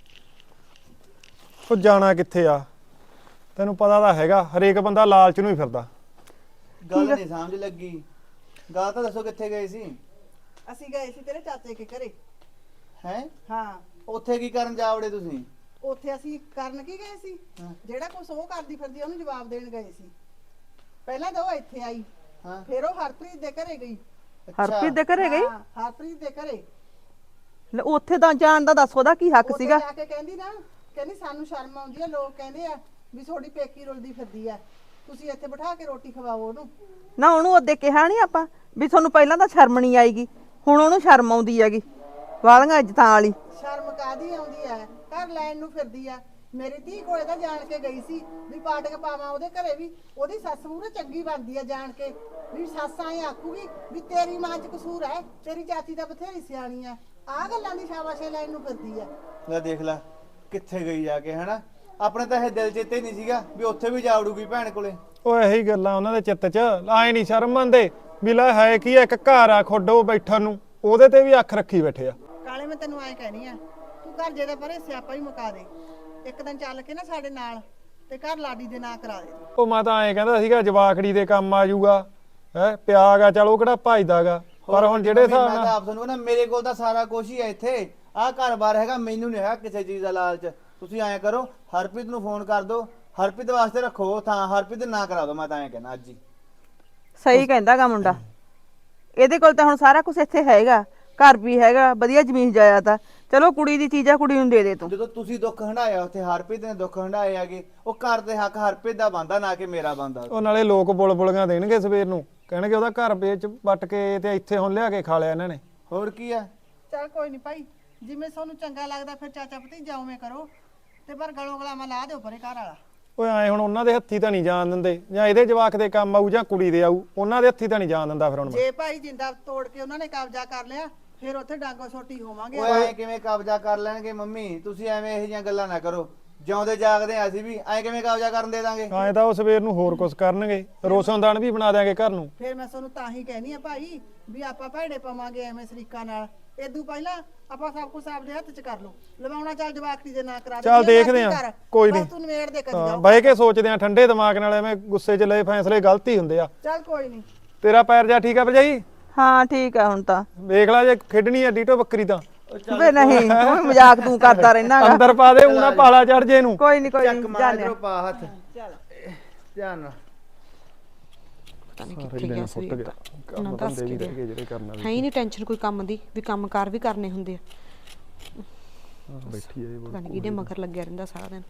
ਉਹ ਜਾਣਾ ਕਿੱਥੇ ਆ? ਤੈਨੂੰ ਪਤਾ ਤਾਂ ਹੈਗਾ, ਹਰੇਕ ਬੰਦਾ ਲਾਲਚ ਨੂੰ ਹੀ ਫਿਰਦਾ।
ਗੱਲ ਨਹੀਂ ਸਮਝ ਲੱਗੀ, ਗੱਲ ਤਾਂ ਦੱਸੋ ਕਿੱਥੇ ਗਏ ਸੀ?
ਅਸੀਂ ਗਏ ਸੀ ਤੇਰੇ ਚਾਚੇ ਕੇ ਘਰੇ।
ਹੈ
ਹਾਂ,
ਉੱਥੇ ਕੀ ਕਰਨ ਜਾਵੜੇ ਤੁਸੀਂ?
ਉੱਥੇ ਅਸੀਂ ਕਰਨ ਕੀ ਗਏ ਸੀ? ਜਿਹੜਾ ਕੁਛ ਉਹ ਕਰਦੀ ਫਿਰਦੀ ਉਹਨੂੰ ਜਵਾਬ ਦੇਣ ਗਏ ਸੀ। ਪਹਿਲਾਂ ਤਾਂ ਉਹ ਇੱਥੇ ਆਈ,
ਹਾਂ,
ਫਿਰ ਉਹ ਹਰਪ੍ਰੀਤ ਦੇ ਘਰੇ ਗਈ।
ਹਰਪ੍ਰੀਤ ਦੇ ਘਰੇ ਗਈ?
ਹਾਂ, ਹਰਪ੍ਰੀਤ ਦੇ ਘਰੇ
ਲੈ, ਉੱਥੇ ਤਾਂ ਜਾਣ ਦਾ ਦੱਸ ਉਹਦਾ ਕੀ ਹੱਕ
ਉੱਥੇ
ਸੀਗਾ?
ਜਾ ਕੇ ਕਹਿੰਦੀ ਨਾ, ਕਹਿੰਦੀ ਸਾਨੂੰ ਸ਼ਰਮ ਆਉਂਦੀ ਆ, ਲੋਕ ਕਹਿੰਦੇ ਆ ਵੀ ਤੁਹਾਡੀ ਪੇਕੀ ਰੁਲਦੀ ਫਿਰਦੀ ਆ, ਤੁਸੀਂ ਇੱਥੇ ਬਿਠਾ ਕੇ ਰੋਟੀ ਖਵਾਓ ਉਹਨੂੰ।
ਨਾ ਉਹਨੂੰ ਉਹਦੇ ਕਿਹਾ ਨਹੀਂ ਆਪਾਂ ਵੀ ਤੁਹਾਨੂੰ ਪਹਿਲਾਂ ਤਾਂ ਸ਼ਰਮ ਨਹੀਂ ਆਏਗੀ, ਹੁਣ ਉਹਨੂੰ ਸ਼ਰਮ ਆਉਂਦੀ ਹੈਗੀ ਵਾਲੀਆਂ ਇੱਜ਼ਤਾਂ ਵਾਲੀ।
ਸ਼ਰਮ ਕਾਦੀ ਆਉਂਦੀ ਆ, ਘਰ ਲੈਣ ਨੂੰ ਫਿਰਦੀ ਆ। ਮੇਰੀ ਧੀ ਕੋਲੇ ਤਾਂ ਜਾਣ ਕੇ ਗਈ ਸੀ ਵੀ ਪਾਟਕ ਪਾਵਾਂ ਉਹਦੇ ਘਰੇ ਵੀ। ਉਹਦੀ ਸੱਸ ਮੂਹਰੇ ਚੰਗੀ ਬਣਦੀ ਆ, ਜਾਣ ਕੇ ਵੀ ਸੱਸ ਐਂ ਆਖੂਗੀ ਵੀ ਤੇਰੀ ਮਾਂ 'ਚ ਕਸੂਰ ਹੈ, ਤੇਰੀ ਚਾਚੀ ਤਾਂ ਬਥੇਰੀ ਸਿਆਣੀ ਆ। ਆਹ ਗੱਲਾਂ ਦੀ ਸ਼ਾਬਾਸ਼ੇ ਲੈਣ ਨੂੰ ਫਿਰਦੀ ਆ।
ਲੈ ਦੇਖ ਲੈ ਕਿੱਥੇ ਗਈ ਜਾ ਕੇ, ਹਨਾ? ਆਪਣੇ ਤਾਂ ਇਹ ਦਿਲ ਚੇਤੇ ਨਹੀਂ ਸੀਗਾ ਵੀ ਉੱਥੇ ਵੀ ਜਾ ਵੜੂਗੀ ਭੈਣ ਕੋਲੇ।
ਉਹ ਇਹੀ ਗੱਲਾਂ ਉਹਨਾਂ ਦੇ ਚਿੱਤ 'ਚ ਆਏ ਨਹੀਂ ਸ਼ਰਮ ਮੰਨਦੇ ਵੀ ਲੈ ਹੈ ਕੀ ਆ, ਇੱਕ ਘਰ ਆ ਖੋਡੋ ਬੈਠਣ ਨੂੰ, ਉਹਦੇ ਤੇ ਵੀ ਅੱਖ ਰੱਖੀ ਬੈਠੇ ਆ।
ਕਾਲੇ ਮੈਂ ਤੈਨੂੰ ਐਂ ਕਹਿਨੀ ਆ, ਤੂੰ ਘਰ ਜੇ ਦਾ ਪਰੇ ਸਿਆਪਾ ਹੀ ਮੁਕਾ ਦੇ। ਇੱਕ ਦਿਨ ਚੱਲ ਕੇ ਨਾ ਸਾਡੇ ਨਾਲ ਤੇ ਘਰ ਲਾਡੀ ਦੇ ਨਾਂ ਕਰਾ ਦੇ।
ਉਹ ਮੈਂ ਤਾਂ ਐਂ ਕਹਿੰਦਾ ਸੀਗਾ ਜਵਾਕੜੀ ਦੇ ਕੰਮ ਆ ਜਾਊਗਾ, ਹੈ ਪਿਆਗਾ, ਚਲ ਉਹ ਕਿਹੜਾ ਭਜਦਾਗਾ। ਪਰ ਹੁਣ ਜਿਹੜੇ ਹਿਸਾਬ
ਮੈਂ ਤਾਂ
ਨਾਲ
ਆਪ ਤੁਹਾਨੂੰ ਕਹਿੰਦਾ, ਮੇਰੇ ਕੋਲ ਤਾਂ ਸਾਰਾ ਕੁਝ ਹੀ ਹੈ ਇੱਥੇ। ਆਹ ਘਰ-ਬਾਰ ਹੈਗਾ, ਮੈਨੂੰ ਨਹੀਂ ਹੈਗਾ ਕਿਸੇ ਚੀਜ਼ ਦਾ ਲਾਲਚ। ਤੁਸੀਂ ਐਂ ਕਰੋ, ਹਰਪ੍ਰੀਤ ਨੂੰ ਫੋਨ ਕਰ ਦਿਓ, ਹਰਪ੍ਰੀਤ ਵਾਸਤੇ ਰੱਖੋ ਥਾਂ, ਹਰਪ੍ਰੀਤ ਨਾ ਕਰਾ ਦਿਓ। ਮੈਂ ਤਾਂ ਐਂ ਕਹਿੰਦਾ ਅੱਜ ਹੀ।
ਸਹੀ ਕਹਿੰਦਾਗਾ ਮੁੰਡਾ, ਇਹਦੇ ਕੋਲ ਤਾਂ ਹੁਣ ਸਾਰਾ ਕੁਝ ਇੱਥੇ ਹੈਗਾ, ਘਰ ਵੀ ਹੈਗਾ, ਵਧੀਆ ਜ਼ਮੀਨ ਜਾਇਦਾਦ। ਚਲੋ ਕੁੜੀ ਦੀ ਚੀਜ਼ ਆ, ਕੁੜੀ ਨੂੰ ਦੇ ਦੇ ਤੂੰ।
ਜਦੋਂ ਤੁਸੀਂ ਦੁੱਖ ਹੰਡਾਇਆ ਉੱਥੇ, ਹਰਪ੍ਰੀਤ ਨੇ ਦੁੱਖ ਹੰਡਾਏ ਆਗੇ, ਉਹ ਘਰ ਦੇ ਹੱਕ ਹਰਪ੍ਰੀਤ ਦਾ ਬਣਦਾ, ਨਾ ਕਿ ਮੇਰਾ ਬਣਦਾ।
ਉਹ ਨਾਲੇ ਲੋਕ ਬੁਲਬੁਲੀਆਂ ਦੇਣਗੇ ਸਵੇਰ ਨੂੰ, ਕਹਿਣਗੇ ਉਹਦਾ ਘਰ ਵੇਚ ਵੱਟ ਕੇ ਤੇ ਇੱਥੇ ਹੁਣ ਲਿਆ ਕੇ ਖਾ ਲਿਆ ਇਹਨਾਂ ਨੇ।
ਹੋਰ ਕੀ ਆ?
ਚੱਲ ਕੋਈ ਨਹੀਂ ਭਾਈ, ਜਿਵੇਂ ਤੁਹਾਨੂੰ ਚੰਗਾ ਲੱਗਦਾ ਫਿਰ ਚਾਚਾ ਭਤੀਜਾ ਉਵੇਂ ਕਰੋ, ਤੇ ਪਰ ਗਲੋਂ ਗਲਾਮਾ ਲਾ ਦਿਓ ਪਰੇ ਘਰ ਵਾਲਾ।
ਓਏ ਐ ਹੁਣ ਉਹਨਾਂ ਦੇ ਹੱਥੀ ਤਾਂ ਨਹੀਂ ਜਾਣ ਦਿੰਦੇ, ਜਾਂ ਇਹਦੇ ਜਵਾਕ ਦੇ ਕੰਮ ਆਊ ਜਾਂ ਕੁੜੀ ਦੇ ਆਊ, ਉਹਨਾਂ ਦੇ ਹੱਥੀ ਤਾਂ ਨਹੀਂ ਜਾਣ ਦਿੰਦਾ ਫਿਰ ਹੁਣ ਮੈਂ।
ਜੇ ਭਾਈ ਜਿੰਦਾ ਤੋੜ ਕੇ ਉਹਨਾਂ ਨੇ ਕਬਜ਼ਾ ਕਰ ਲਿਆ, ਫਿਰ ਉੱਥੇ ਡਾਂਗੋ ਛੋਟੀ ਹੋਵਾਂਗੇ।
ਓਏ ਐਂ ਕਿਵੇਂ ਕਬਜ਼ਾ ਕਰ ਲੈਣਗੇ ਮੰਮੀ? ਤੁਸੀਂ ਐਵੇਂ ਇਹੋ ਜਿਹੀਆਂ ਗੱਲਾਂ ਨਾ ਕਰੋ। ਜਿਉਂਦੇ ਜਾਗਦੇ ਆ ਅਸੀਂ ਵੀ ਐਂ ਕਿਵੇਂ ਕਬਜ਼ਾ ਕਰਨ ਦੇ ਦਾਂਗੇ?
ਐਂ ਤਾਂ ਉਹ ਸਵੇਰ ਨੂੰ ਹੋਰ ਕੁਝ ਕਰਨਗੇ, ਰੋਸ਼ਨਦਾਨ ਵੀ ਬਣਾ ਦਿਆਂਗੇ ਘਰ ਨੂੰ।
ਫਿਰ ਮੈਂ ਤੁਹਾਨੂੰ ਤਾਂ ਹੀ ਕਹਿਨੀ ਆ ਭਾਈ ਵੀ ਆਪਾਂ ਭੈੜੇ ਪਾਵਾਂਗੇ ਐਵੇਂ ਸਰੀਕਾ ਨਾਲ। ਇਦੋਂ ਪਹਿਲਾਂ ਆਪਾਂ ਸਭ ਕੁਝ ਆਪਦੇ ਹੱਥ 'ਚ ਕਰ ਲਓ। ਲਵਾਉਣਾ ਚੱਲ ਜਵਾਕੜੀ ਦੇ ਨਾਂ ਕਰਾ ਦੇ।
ਚੱਲ ਦੇਖਦੇ ਆਂ, ਕੋਈ ਨਹੀਂ।
ਤੂੰ ਨਵੇੜ ਦੇ ਕਰੀ
ਹਾਂ,
ਜਾਓ।
ਬਹਿ ਕੇ ਸੋਚਦੇ ਆਂ ਠੰਡੇ ਦਿਮਾਗ ਨਾਲ, ਐਵੇਂ ਗੁੱਸੇ 'ਚ ਲਏ ਫੈਸਲੇ ਗਲਤ ਹੀ ਹੁੰਦੇ ਆ।
ਚੱਲ ਕੋਈ ਨਹੀਂ।
ਤੇਰਾ ਪੈਰ ਜਾ ਠੀਕ ਆ ਭਰਜਾਈ?
ਹਾਂ ਠੀਕ ਆ ਹੁਣ ਤਾਂ।
ਵੇਖ ਲੈ ਜੇ ਖੇਡਣੀ ਆ ਡੀਟੋ ਬੱਕਰੀ ਤਾਂ
ਵੇ ਨਹੀਂ ਤੂੰ ਵੀ ਮਜ਼ਾਕ ਤੂੰ ਕਰਦਾ ਰਹਿਣਾਗਾ।
ਅੰਦਰ ਪਾ ਦੇ, ਉਹਨਾਂ ਪਾਲਾ ਚੜ ਜੇ ਇਹਨੂੰ।
ਕੋਈ ਨਹੀਂ ਕੋਈ
ਚੱਕ
ਨਹੀਂ
ਮਾਰ
ਜਾਣਿਆ।
ਇਧਰੋਂ ਪਾ ਹੱਥ। ਚੱਲ ਧਿਆਨ ਨਾਲ।
ਪਤਾ ਨਹੀਂ ਕਿੱਥੇ ਗਿਆ ਸੀ
ਕੰਮ ਬੰਦੇ ਵੀ ਰਹਿ ਗਏ ਜਿਹੜੇ ਕਰਨਾ
ਹੈ ਹੀ ਨਹੀਂ ਟੈਨਸ਼ਨ ਕੋਈ ਕੰਮ ਦੀ ਵੀ ਕੰਮ ਕਾਰ ਵੀ ਕਰਨੇ ਹੁੰਦੇ ਆ।
ਬੈਠੀ ਆ
ਪਤਾ ਨਹੀਂ ਕਿਹਦੇ ਮਗਰ ਲੱਗਿਆ ਰਹਿੰਦਾ ਸਾਰਾ ਦਿਨ।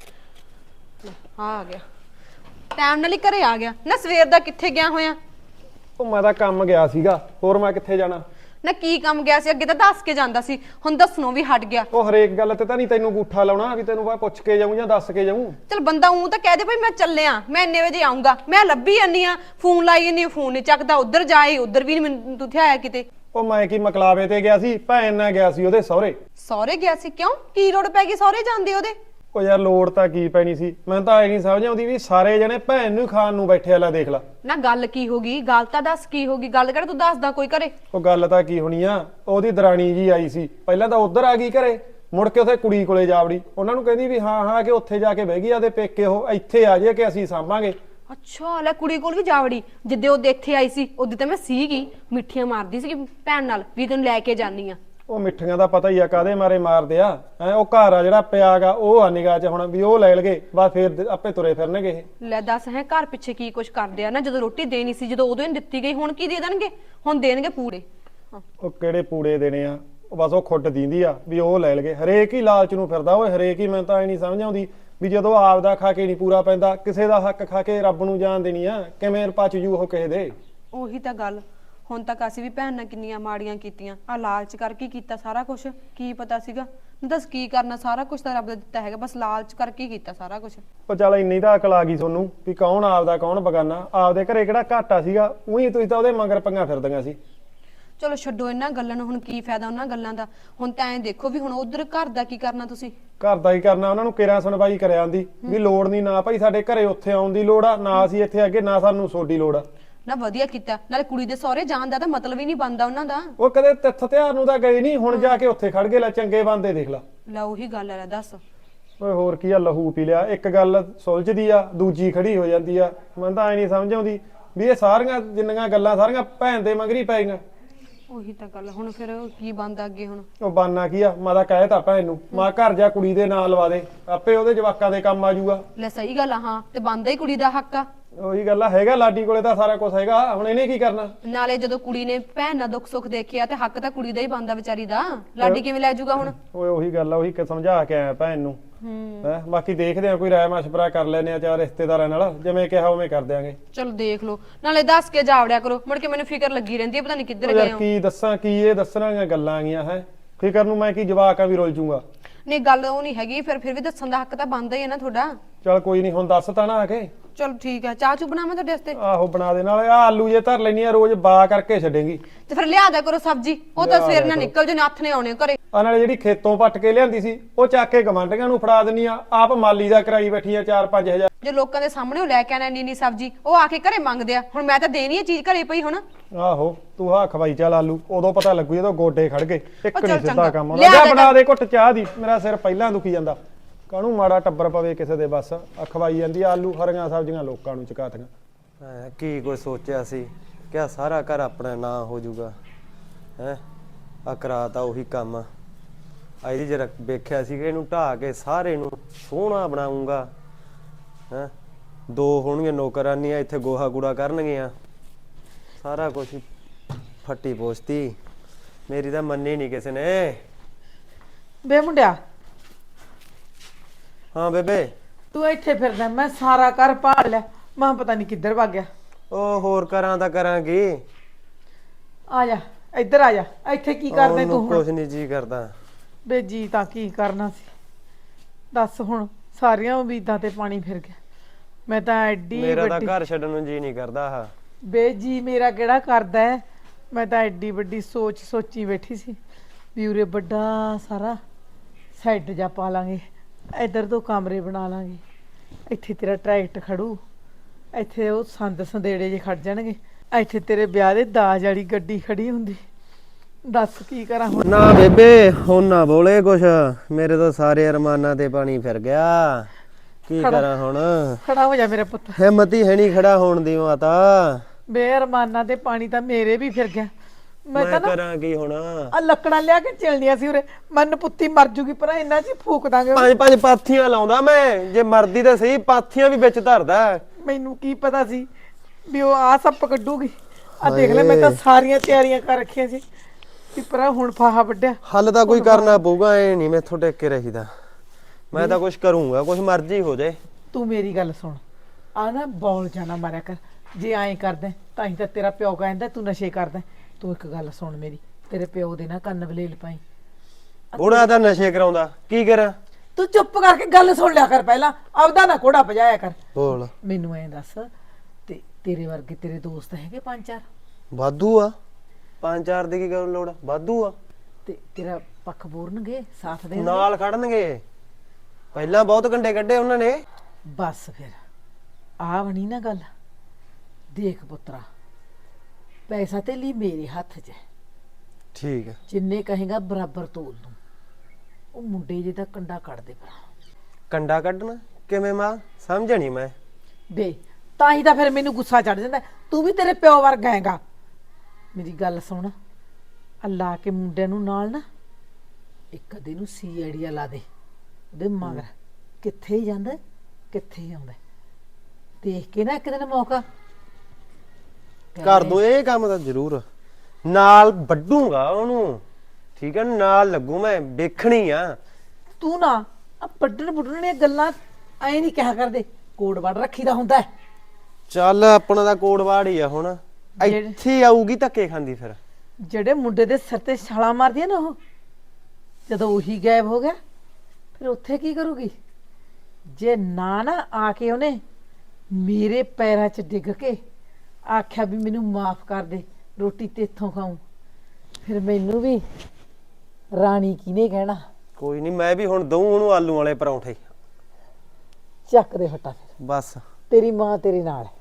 ਲੈ, ਆ ਆ ਗਿਆ ਟਾਈਮ ਨਾਲ ਹੀ ਘਰੇ ਆ ਗਿਆ ਨਾ। ਸਵੇਰ ਦਾ ਕਿੱਥੇ ਗਿਆ ਹੋਇਆ?
ਉਹ ਮੈਂ ਤਾਂ ਕੰਮ ਗਿਆ ਸੀਗਾ, ਹੋਰ ਮੈਂ ਕਿੱਥੇ ਜਾਣਾ?
ਨਾ ਕੀ ਕੰਮ ਗਿਆ ਸੀ? ਅੱਗੇ ਤਾਂ ਦੱਸ ਕੇ ਜਾਂਦਾ ਸੀ, ਹੁਣ ਦੱਸਣੋਂ ਵੀ ਹਟ ਗਿਆ।
ਉਹ ਹਰੇਕ ਗੱਲ ਤੇ ਤਾਂ ਨਹੀਂ ਤੈਨੂੰ ਗੂਠਾ ਲਾਉਣਾ ਵੀ ਤੈਨੂੰ ਮੈਂ ਪੁੱਛ ਕੇ ਜਾਊਂ ਜਾਂ ਦੱਸ ਕੇ ਜਾਊਂ।
ਚਲ ਬੰਦਾ ਉਹ ਤਾਂ ਕਹਿ ਦੇ ਭਈ ਮੈਂ ਚੱਲਿਆ, ਮੈਂ ਇੰਨੇ ਵਜੇ ਆਉਂਗਾ। ਮੈਂ ਲੱਭੀ ਜਾਂਦੀ ਆ, ਫੋਨ ਲਾਈ ਜਾਂਦੀ ਆ, ਫੋਨ ਨਹੀਂ ਚੱਕਦਾ। ਉੱਧਰ ਜਾਏ ਉੱਧਰ ਵੀ ਨਹੀਂ ਮੈਨੂੰ ਤੁਥੇ ਆਇਆ ਕਿਤੇ।
ਉਹ ਮੈਂ ਕੀ ਮਕਲਾਵੇ ਤੇ ਗਿਆ ਸੀ, ਭੈਣ ਨਾਲ ਗਿਆ ਸੀ ਉਹਦੇ ਸਹੁਰੇ।
ਸਹੁਰੇ ਗਿਆ ਸੀ? ਕਿਉਂ ਕੀ ਲੋੜ ਪੈ ਗਈ ਸਹੁਰੇ ਜਾਂਦੇ ਉਹਦੇ?
ਉਹ ਯਾਰ ਲੋੜ ਤਾਂ ਕੀ ਪੈਣੀ ਸੀ, ਮੈਨੂੰ ਤਾਂ ਐ ਨਹੀਂ ਸਮਝ ਆਉਂਦੀ ਵੀ ਸਾਰੇ ਜਣੇ ਭੈਣ ਨੂੰ ਖਾਣ ਨੂੰ ਬੈਠੇ ਆ। ਲੈ ਦੇਖ ਲੈ
ਨਾ ਗੱਲ ਕੀ ਹੋ ਗਈ? ਗੱਲ ਤਾਂ ਦੱਸ ਕੀ ਹੋ ਗਈ? ਗੱਲ ਕਿਹੜਾ ਤੂੰ ਦੱਸਦਾ ਕੋਈ ਘਰੇ?
ਉਹ ਗੱਲ ਤਾਂ ਕੀ ਹੋਣੀ ਆ, ਉਹਦੀ ਦਰਾਣੀ ਜੀ ਆਈ ਸੀ, ਪਹਿਲਾਂ ਤਾਂ ਉੱਧਰ ਆ ਗਈ ਘਰੇ, ਮੁੜ ਕੇ ਉੱਥੇ ਕੁੜੀ ਕੋਲੇ ਜਾ ਵੜੀ। ਉਹਨਾਂ ਨੂੰ ਕਹਿੰਦੀ ਵੀ ਹਾਂ ਹਾਂ ਕਿ ਉੱਥੇ ਜਾ ਕੇ ਬਹਿ ਗਈ ਆਦੇ ਪੇਕੇ, ਉਹ ਇੱਥੇ ਆ ਜੇ ਕਿ ਅਸੀਂ ਸਾਂਭਾਂਗੇ।
ਅੱਛਾ ਲੈ ਕੁੜੀ ਕੋਲ ਵੀ ਜਾ ਵੜੀ। ਜਿੱਦੇ ਉਹ ਇੱਥੇ ਆਈ ਸੀ ਉਦੋਂ ਤਾਂ ਮੈਂ ਸੀਗੀ, ਮਿੱਠੀਆਂ ਮਾਰਦੀ ਸੀ ਭੈਣ ਨਾਲ ਵੀ ਤੈਨੂੰ ਲੈ ਕੇ ਜਾਨੀ ਆ।
ਉਹ ਮਿੱਠੀਆਂ ਦਾ ਪਤਾ ਹੀ ਆ ਕਾਦੇ ਮਾਰੇ ਮਾਰਦੇ ਆ। ਐ ਉਹ ਘਰ ਆ ਜਿਹੜਾ ਪਿਆਗਾ ਉਹ ਆ ਨਿਗਾਹ 'ਚ ਹੁਣ ਵੀ ਉਹ ਲੈ ਲਗੇ, ਬਸ ਫੇਰ ਆਪੇ ਤੁਰੇ ਫਿਰਨਗੇ ਇਹ।
ਲੈ ਦੱਸ ਹੈ ਘਰ ਪਿੱਛੇ ਕੀ ਕੁਛ ਕਰਦੇ ਆ ਨਾ। ਜਦੋਂ ਰੋਟੀ ਦੇਣੀ ਸੀ, ਜਦੋਂ ਉਦੋਂ ਹੀ ਦਿੱਤੀ ਗਈ, ਹੁਣ ਕੀ ਦੇ ਦੇਣਗੇ? ਹੁਣ ਦੇਣਗੇ ਪੂੜੇ।
ਉਹ ਕਿਹੜੇ ਪੂੜੇ ਦੇਣੇ ਆ? ਉਹ ਬਸ ਉਹ ਖੁੱਡ ਦਿੰਦੀ ਆ ਵੀ ਉਹ ਲੈ ਲਗੇ। ਹਰੇਕ ਹੀ ਲਾਲਚ ਨੂੰ ਫਿਰਦਾ ਓਏ, ਹਰੇਕ ਹੀ। ਮੈਨੂੰ ਤਾਂ ਐ ਨਹੀਂ ਸਮਝ ਆਉਂਦੀ ਵੀ ਜਦੋਂ ਆਪਦਾ ਖਾ ਕੇ ਨਹੀਂ ਪੂਰਾ ਪੈਂਦਾ, ਕਿਸੇ ਦਾ ਹੱਕ ਖਾ ਕੇ ਰੱਬ ਨੂੰ ਜਾਣ ਦੇਣੀ ਆ, ਕਿਵੇਂ ਪਚ ਜੂ ਉਹ ਕਿਸੇ ਦੇ।
ਉਹੀ ਤਾਂ ਗੱਲ। ਹੁਣ ਤੱਕ ਅਸੀਂ ਵੀ ਭੈਣ ਨਾਲ ਕਿੰਨੀਆਂ ਮਾੜੀਆਂ ਕੀਤੀਆਂ, ਆ ਲਾਲਚ ਕਰਕੇ ਹੀ ਕੀਤਾ ਸਾਰਾ ਕੁਝ। ਕੀ ਪਤਾ ਸੀਗਾ? ਦੱਸ ਕੀ ਕਰਨਾ? ਸਾਰਾ ਕੁਝ ਤਾਂ ਰੱਬ ਦਾ ਦਿੱਤਾ ਹੈਗਾ, ਬਸ ਲਾਲਚ ਕਰਕੇ ਹੀ ਕੀਤਾ ਸਾਰਾ ਕੁਝ।
ਉਹ ਚੱਲ ਇੰਨੀ ਤਾਂ ਅਕਲ ਆ ਗਈ ਤੁਹਾਨੂੰ ਵੀ ਕੌਣ ਆਪਦਾ ਕੌਣ ਬਗਾਨਾ। ਆਪਦੇ ਘਰੇ ਕਿਹੜਾ ਘਾਟਾ ਸੀਗਾ, ਉਹੀ ਤੁਸੀਂ ਤਾਂ ਉਹਦੇ ਮਗਰ ਪੰਗਾ ਫਿਰਦੀਆਂ ਸੀ।
ਚਲੋ ਛੱਡੋ ਇਹਨਾਂ ਗੱਲਾਂ ਨੂੰ, ਹੁਣ ਕੀ ਫਾਇਦਾ ਉਹਨਾਂ ਗੱਲਾਂ ਦਾ। ਹੁਣ ਤਾਂ ਐਂ ਦੇਖੋ ਵੀ ਹੁਣ ਉਧਰ ਘਰ ਦਾ ਕੀ ਕਰਨਾ ਤੁਸੀਂ?
ਘਰ ਦਾ ਹੀ ਕਰਨਾ, ਉਹਨਾਂ ਨੂੰ ਕਿਰਾਂ ਸੁਣਵਾਈ ਕਰਿਆ ਆਂਦੀ ਵੀ ਲੋੜ ਨਹੀਂ, ਨਾ ਭਾਈ ਸਾਡੇ ਘਰੇ ਉੱਥੇ ਆਉਣ ਦੀ ਲੋੜ ਆ, ਨਾ ਅਸੀਂ ਇੱਥੇ ਅੱਗੇ, ਨਾ ਸਾਨੂੰ ਸੋਡੀ ਲੋੜ ਆ।
ਨਾ ਵਧੀਆ ਕੀਤਾ, ਨਾਲੇ ਕੁੜੀ ਦੇ ਸਹੁਰੇ ਜਾਣ ਦਾ ਤਾਂ ਮਤਲਬ ਹੀ ਨਹੀਂ ਬਣਦਾ ਉਹਨਾਂ ਦਾ।
ਉਹ ਕਦੇ ਤਿੱਥ ਤਿਉਹਾਰ ਨੂੰ ਤਾਂ ਗਏ ਨਹੀਂ, ਹੁਣ ਜਾ ਕੇ ਉੱਥੇ ਖੜ ਗਏ। ਲੈ ਚੰਗੇ ਬੰਦੇ ਦੇਖ ਲਾ।
ਲੈ ਉਹੀ ਗੱਲ ਹੈ, ਦੱਸ।
ਓਏ ਹੋਰ ਕੀ ਆ, ਲਹੂ ਪੀ ਲਿਆ। ਇੱਕ ਗੱਲ ਸੁਲਝਦੀ ਆ, ਦੂਜੀ ਖੜੀ ਹੋ ਜਾਂਦੀ ਆ। ਮੈਨੂੰ ਤਾਂ ਐ ਨਹੀਂ ਸਮਝ ਆਉਂਦੀ ਵੀ ਇਹ ਸਾਰੀਆਂ ਜਿੰਨੀਆਂ ਗੱਲਾਂ ਸਾਰੀਆਂ ਭੈਣ ਦੇ ਮਗਰੀ ਪੈ ਗਈਆਂ।
ਉਹੀ ਤਾਂ ਗੱਲ। ਹੁਣ ਫਿਰ ਕੀ ਬਣਦਾ ਅੱਗੇ? ਹੁਣ
ਉਹ ਬਾਨਾ ਕੀ ਆ, ਮੈਂ ਤਾਂ ਕਹਿ ਤਾ ਭੈਣ ਨੂੰ, ਮਾਂ ਘਰ ਜਾ ਕੁੜੀ ਦੇ ਨਾਂ ਲਵਾ ਦੇ, ਆਪੇ ਉਹਦੇ ਜਵਾਕਾਂ ਦੇ ਕੰਮ ਆ ਜਾਊਗਾ।
ਲੈ ਸਹੀ ਗੱਲ ਆ, ਹਾਂ ਤੇ ਬਣਦਾ ਹੀ ਕੁੜੀ ਦਾ ਹੱਕ ਆ।
ਉਹੀ ਗੱਲ ਆ, ਹੈਗਾ ਲਾਡੀ ਕੋਲੇ ਤਾਂ ਸਾਰਾ ਕੁਝ ਹੈਗਾ, ਹੁਣ ਇਹਨੇ ਕੀ ਕਰਨਾ?
ਨਾਲੇ ਜਦੋਂ ਕੁੜੀ ਨੇ ਭੈਣ ਨਾਲ ਦੁੱਖ ਸੁੱਖ ਦੇਖਿਆ ਤੇ ਹੱਕ ਤਾਂ ਕੁੜੀ ਦਾ ਹੀ ਬਣਦਾ ਵਿਚਾਰੀ ਦਾ। ਲਾਡੀ ਕਿਵੇਂ ਲੈ ਜਾਊਗਾ ਹੁਣ?
ਓਏ ਉਹੀ ਗੱਲ ਆ, ਉਹੀ ਕਿ ਸਮਝਾ ਕੇ ਆਇਆ ਭੈਣ ਨੂੰ। ਹੈ ਬਾਕੀ ਦੇਖਦੇ ਆ, ਕੋਈ ਰਾਏ ਮਸ਼ਵਰਾ ਕਰ ਲੈਨੇ ਆ ਚਾਰ ਰਿਸ਼ਤੇਦਾਰਾਂ ਨਾਲ, ਜਿਵੇਂ ਕਿਹਾ ਉਵੇਂ ਕਰ ਦਿਆਂਗੇ।
ਚਲੋ ਦੇਖ ਲਓ, ਨਾਲੇ ਦੱਸ ਕੇ ਜਾਵੜਿਆ ਕਰੋ, ਮੁੜ ਕੇ ਮੈਨੂੰ ਫਿਕਰ ਲੱਗੀ ਰਹਿੰਦੀ ਹੈ ਪਤਾ ਨਹੀਂ ਕਿੱਧਰ ਗਏ
ਯਾਰ
ਹੋ।
ਕੀ ਦੱਸਾਂ, ਕੀ ਇਹ ਦੱਸਣ ਵਾਲੀਆਂ ਗੱਲਾਂ ਆਗੀਆਂ ਹੈ। ਫਿਕਰ ਨੂੰ ਮੈਂ ਕੀ ਜਵਾਕ ਆ ਵੀ ਰੁੱਲ ਜੂਗਾ।
ਨਹੀਂ ਗੱਲ ਉਹ ਨਹੀਂ ਹੈਗੀ, ਫਿਰ ਫਿਰ ਵੀ ਦੱਸਣ ਦਾ ਹੱਕ ਤਾਂ ਬਣਦਾ ਹੀ ਹੈ ਨਾ ਤੁਹਾਡਾ।
ਚਲ ਕੋਈ ਨਹੀਂ, ਹੁਣ ਦੱਸ ਤਾਂ ਨਾ ਆ ਕੇ।
ਚਲੋ ਠੀਕ ਹੈ, ਚਾਹ ਚੂ ਬਣਾਵਾਂ ਤੁਹਾਡੇ ਵਾਸਤੇ?
ਆਹੋ ਬਣਾ ਦੇ, ਨਾਲੇ ਆ ਆਲੂ ਜੇ ਧਰ ਲੈਣੀ ਆ, ਰੋਜ਼ ਬਾ ਕਰਕੇ ਛੱਡੇਂਗੀ।
ਤੇ ਫਿਰ ਲਿਆ ਦਿਆ ਕਰੋ ਸਬਜ਼ੀ, ਉਹ ਤਾਂ ਸਵੇਰ ਨਾਲ ਨਿਕਲ ਜੇ, ਨੱਥ ਨੇ ਆਉਣੇ ਘਰੇ।
ਆ ਨਾਲੇ ਜਿਹੜੀ ਖੇਤੋਂ ਪੱਟ ਕੇ ਲਿਆਂਦੀ ਸੀ, ਉਹ ਚੱਕ ਕੇ ਗਵਾਂਢੀਆਂ ਨੂੰ ਫੜਾ ਦਿੰਨੀ ਆ, ਆਪ ਮਾਲੀ ਦਾ ਕਰਾਈ ਬੈਠੀ ਆ ਚਾਰ ਪੰਜ ਹਜ਼ਾਰ।
ਜੇ ਲੋਕਾਂ ਦੇ ਸਾਹਮਣੇ ਉਹ ਲੈ ਕੇ ਆਣਾ ਇੰਨੀ ਇੰਨੀ ਸਬਜ਼ੀ, ਉਹ ਆ ਕੇ ਘਰੇ ਮੰਗਦੇ ਆ। ਹੁਣ ਮੈਂ ਤਾਂ ਦੇਣੀ ਹੈ ਚੀਜ਼ ਘਰੇ ਪਈ ਹੁਣ।
ਆਹੋ ਤੂੰ ਹਾਂ ਖਵਾਈ ਚੱਲ ਆਲੂ, ਉਦੋਂ ਪਤਾ ਲੱਗੂ ਜਦੋਂ ਗੋਡੇ ਖੜ ਗਏ। ਇੱਕ
ਚੱਲ
ਨਹੀਂ ਸਿੱਧਾ
ਚੰਗਾ।
ਕੰਮ
ਲਿਆ
ਆਉਂਦਾ।
ਦੇ
ਬਣਾ ਦੇ ਘੁੱਟ ਚਾਹ ਦੀ, ਮੇਰਾ ਸਿਰ ਪਹਿਲਾਂ ਦੁਖੀ ਜਾਂਦਾ। ਕਾਹਨੂੰ ਮਾੜਾ ਟੱਬਰ ਪਵੇ ਕਿਸੇ ਦੇ, ਬਸ ਆ ਖਵਾਈ ਜਾਂਦੀ ਆ ਆਲੂ, ਹਰੀਆਂ ਸਬਜ਼ੀਆਂ ਲੋਕਾਂ ਨੂੰ ਚਕਾਤੀਆਂ।
ਐ ਕੀ ਕੋਈ ਸੋਚਿਆ ਸੀ ਕਿ ਸਾਰਾ ਘਰ ਆਪਣਾ ਨਾਂ ਹੋ ਜਾਊਗਾ ਹੈ। ਆ ਕਰਾਤਾ ਉਹੀ ਕੰਮ। ਇਹਦੀ ਜਰਾ ਵੇਖਿਆ ਸੀ ਕਿ ਇਹਨੂੰ ਢਾਹ ਕੇ ਸਾਰੇ ਨੂੰ ਸੋਹਣਾ ਬਣਾਉਂਗਾ ਹੈ। ਦੋ ਹੋਣਗੇ ਨੌਕਰਾਨੀਆਂ, ਇੱਥੇ ਗੋਹਾ ਕੂੜਾ ਕਰਨਗੀਆਂ, ਸਾਰਾ ਕੁਝ ਫੱਟੀ ਪੋਸਤੀ। ਮੇਰੀ ਤਾਂ ਮੰਨੀ ਨਹੀਂ ਕਿਸੇ ਨੇ।
ਬੇ ਮੁੰਡਿਆ,
ਹਾਂ ਬੇਬੇ।
ਤੂੰ ਇੱਥੇ ਫਿਰਦਾ, ਮੈਂ ਸਾਰਾ ਘਰ ਭਾਲ ਲਿਆ, ਮੈਂ ਪਤਾ ਨਹੀਂ ਕਿੱਧਰ ਭੱਗ ਗਿਆ।
ਉਹ ਹੋਰ ਕਰਾਂ ਤਾਂ ਕਰਾਂਗੀ।
ਆ ਜਾ ਇੱਧਰ ਆ ਜਾ, ਇੱਥੇ ਕੀ ਕਰਦੇ ਤੂੰ ਹੁਣ?
ਕੁਝ ਨਹੀਂ ਜੀ ਕਰਦਾ।
ਬੇ ਜੀ ਤਾਂ ਕੀ ਕਰਨਾ ਸੀ, ਦੱਸ ਹੁਣ ਸਾਰੀਆਂ ਉਮੀਦਾਂ ਤੇ ਪਾਣੀ ਫਿਰ ਗਿਆ। ਮੈਂ ਤਾਂ ਐਡੀ
ਮੇਰਾ ਤਾਂ
ਵੱਡੀ
ਘਰ ਛੱਡਣ ਨੂੰ ਜੀ ਨਹੀਂ ਕਰਦਾ। ਆਹ
ਬੇ ਜੀ ਮੇਰਾ ਕਿਹੜਾ ਕਰਦਾ ਹੈ? ਮੈਂ ਤਾਂ ਐਡੀ ਵੱਡੀ ਸੋਚ ਸੋਚੀ ਬੈਠੀ ਸੀ ਵੀ ਉਰੇ ਵੱਡਾ ਸਾਰਾ ਸੈੱਟ ਜਾ ਪਾ ਲਾਂਗੇ, ਇੱਧਰ ਦੋ ਕਮਰੇ ਬਣਾ ਲਾਂਗੇ, ਇੱਥੇ ਤੇਰਾ ਟਰੈਕਟ ਖੜੂ, ਇੱਥੇ ਉਹ ਸੰਦ ਸੰਦੇੜੇ ਜੇ ਖੜ ਜਾਣਗੇ, ਇੱਥੇ ਤੇਰੇ ਵਿਆਹ ਦੇ ਦਾਜ ਵਾਲੀ ਗੱਡੀ ਖੜੀ ਹੁੰਦੀ। ਦੱਸ ਕੀ ਕਰਾਂ ਹੁਣ।
ਨਾ ਬੇਬੇ ਹੁਣ ਨਾ ਬੋਲੇ ਕੁਛ, ਮੇਰੇ ਤਾਂ ਸਾਰੇ ਅਰਮਾਨਾਂ ਤੇ ਪਾਣੀ ਫਿਰ ਗਿਆ। ਕੀ ਕਰਾਂ ਹੁਣ?
ਖੜਾ ਹੋ ਜਾ ਮੇਰਾ ਪੁੱਤ।
ਹਿੰਮਤ ਹੀ ਹੈ ਨਹੀਂ ਖੜਾ ਹੋਣ ਦੀ ਮਾਤਾ।
ਬੇਅਰਮਾਨਾਂ ਤੇ ਪਾਣੀ ਤਾਂ ਮੇਰੇ ਵੀ ਫਿਰ ਗਿਆ। ਮੈਂ
ਮੈਂ
ਤਾਂ ਨਾ
ਕਰਾਂ ਕੀ ਹੁਣ?
ਆ ਲੱਕੜਾਂ ਲਿਆ ਕੇ ਚਿਲਣੀਆਂ ਸੀ ਉਰੇ, ਮਨ ਪੁੱਤੀ ਮਰ ਜੂਗੀ, ਪਰ ਇਹਨਾਂ 'ਚ ਹੀ ਫੂਕ ਦਾਂਗੇ।
ਪੰਜ ਪੰਜ ਪਾਥੀਆਂ ਲਾਉਂਦਾ ਮੈਂ, ਜੇ ਮਰਦੀ ਤਾਂ ਸਹੀ, ਪਾਥੀਆਂ ਵੀ ਵਿੱਚ ਧਰਦਾ।
ਮੈਨੂੰ ਕੀ ਪਤਾ ਸੀ ਵੀ ਉਹ ਆ ਸੱਪ ਕੱਢੂਗੀ। ਆ ਦੇਖ ਲੈ, ਮੈਂ ਤਾਂ ਸਾਰੀਆਂ ਤਿਆਰੀਆਂ ਕਰ ਰੱਖੀਆਂ ਸੀ ਕਿ ਪਰ ਹੁਣ ਫਾਹਾ ਵੱਢਿਆ।
ਹੱਲ ਤਾਂ ਕੋਈ ਕਰਨਾ ਪਊਗਾ, ਐ ਨਹੀਂ ਮੈਥੋਂ ਟਿਕ ਕੇ ਰਹੀਦਾ। ਮੈਂ ਤਾਂ ਕੁਝ ਕਰੂੰਗਾ, ਕੁਝ ਮਰਜ਼ੀ ਹੋ ਜਾਏ।
ਤੂੰ ਮੇਰੀ ਗੱਲ ਸੁਣ, ਆ ਨਾ ਬੌਲ ਜਾਣਾ ਮਾਰਿਆ ਕਰ। ਜੇ ਐਂ ਕਰਦਾ ਤਾਂ ਹੀ ਤਾਂ ਤੇਰਾ ਪਿਓ ਕਹਿੰਦਾ ਤੂੰ ਨਸ਼ੇ ਕਰਦਾ। ਤੂੰ ਇੱਕ ਗੱਲ ਸੁਣ ਮੇਰੀ, ਤੇਰੇ ਪਿਓ ਦੇ ਨਾ ਕੰਨ ਵਲੇਲ ਪਾਈ।
ਬੁੜਾ ਤਾਂ ਨਸ਼ੇ ਕਰਾਉਂਦਾ, ਕੀ ਕਰਾਂ?
ਤੂੰ ਚੁੱਪ ਕਰਕੇ ਗੱਲ ਸੁਣ ਲਿਆ ਕਰ ਪਹਿਲਾਂ, ਆਪਦਾ ਨਾ ਕੋੜਾ ਭਜਾਇਆ ਕਰ।
ਬੋਲ।
ਮੈਨੂੰ ਐਂ ਦੱਸ, ਤੇ ਤੇਰੇ ਵਰਗੇ ਤੇਰੇ ਦੋਸਤ ਹੈਗੇ ਪੰਜ ਚਾਰ?
ਵਾਧੂ ਆ, ਪੰਜ ਚਾਰ ਦੀ ਕੀ ਗੱਲ ਲੋੜ ਆ, ਵਾਧੂ ਆ।
ਤੇ ਤੇਰਾ ਪੱਖ ਬੋਰਨਗੇ, ਸਾਥ ਦੇਣਗੇ?
ਨਾਲ ਖੜਨਗੇ, ਪਹਿਲਾਂ ਬਹੁਤ ਕੰਡੇ ਕੱਢੇ ਉਹਨਾਂ ਨੇ।
ਬਸ ਫਿਰ ਆ ਬਣੀ ਨਾ ਗੱਲ। ਦੇਖ ਪੁੱਤਰਾ, ਪੈਸਾ ਤੇ ਲਈ ਮੇਰੇ ਹੱਥ 'ਚ ਹੈ,
ਠੀਕ ਹੈ।
ਜਿੰਨੇ ਕਹੇਗਾ ਬਰਾਬਰ ਤੋਲ ਦੂੰ। ਉਹ ਮੁੰਡੇ ਜੇ ਦਾ ਕੰਡਾ ਕੱਢ ਦੇ ਭਰਾ।
ਕੰਡਾ ਕੱਢਣਾ ਕਿਵੇਂ ਮਾਂ? ਸਮਝਣੀ ਮੈਂ।
ਬੇ ਤਾਂ ਹੀ ਤਾਂ ਫਿਰ ਮੈਨੂੰ ਗੁੱਸਾ ਚੜ ਜਾਂਦਾ। ਤੂੰ ਵੀ ਤੇਰੇ ਪਿਓ ਵਰਗਾ ਹੈਗਾ। ਮੇਰੀ ਗੱਲ ਸੁਣ, ਅੱਲਾ ਕੇ ਮੁੰਡੇ ਨੂੰ ਨਾਲ ਨਾ ਇੱਕ ਅੱਧੇ ਨੂੰ ਸੀ ਆਈਡੀਆ ਲਾ ਦੇ ਉਹਦੇ ਮਗਰ, ਕਿੱਥੇ ਹੀ ਜਾਂਦਾ ਕਿੱਥੇ ਹੀ ਆਉਂਦਾ। ਦੇਖ ਕੇ ਨਾ ਇੱਕ ਦਿਨ ਮੌਕਾ
ਕਰ ਦੋ ਇਹ ਕੰਮ ਤਾਂ ਜ਼ਰੂਰ, ਨਾਲ ਵੱਢੂਗਾ ਉਹਨੂੰ, ਠੀਕ ਹੈ, ਨਾਲ ਲੱਗੂ ਮੈਂ, ਵੇਖਣੀ ਆ।
ਤੂੰ ਨਾ ਆ ਵੱਢਣ ਵੁੱਢਣ ਦੀਆਂ ਗੱਲਾਂ ਐ ਨਹੀਂ ਕਿਹਾ ਕਰਦੇ, ਕੋਡ ਵੜ ਰੱਖੀ ਦਾ ਹੁੰਦਾ ਹੈ।
ਚੱਲ ਆਪਣਾ ਤਾਂ ਕੋੜਵਾੜ ਹੀ ਆ ਹੁਣ, ਇੱਥੇ ਆਊਗੀ ਧੱਕੇ ਖਾਂਦੀ ਫਿਰ।
ਜਿਹੜੇ ਮੁੰਡੇ ਦੇ ਸਿਰ ਤੇ ਛਾਲਾਂ ਮਾਰਦੀ ਆ ਨਾ, ਉਹ ਜਦੋਂ ਉਹੀ ਗਾਇਬ ਹੋ ਗਿਆ ਫਿਰ ਉੱਥੇ ਕੀ ਕਰੂਗੀ? ਜੇ ਨਾ ਨਾ ਆ ਕੇ ਉਹਨੇ ਮੇਰੇ ਪੈਰਾਂ 'ਚ ਡਿੱਗ ਕੇ ਆਖਿਆ ਵੀ ਮੈਨੂੰ ਮਾਫ ਕਰ ਦੇ, ਰੋਟੀ ਤੇਥੋਂ ਖਾਊਂ, ਫਿਰ ਮੈਨੂੰ ਵੀ ਰਾਣੀ ਕਿਹਨੇ ਕਹਿਣਾ?
ਕੋਈ ਨਹੀਂ, ਮੈਂ ਵੀ ਹੁਣ ਦਊਂ ਉਹਨੂੰ ਆਲੂ ਵਾਲੇ ਪਰੌਂਠੇ।
ਚੱਕ ਦੇ ਫਟਾ ਫਿਰ,
ਬਸ
ਤੇਰੀ ਮਾਂ ਤੇਰੇ ਨਾਲ ਹੈ।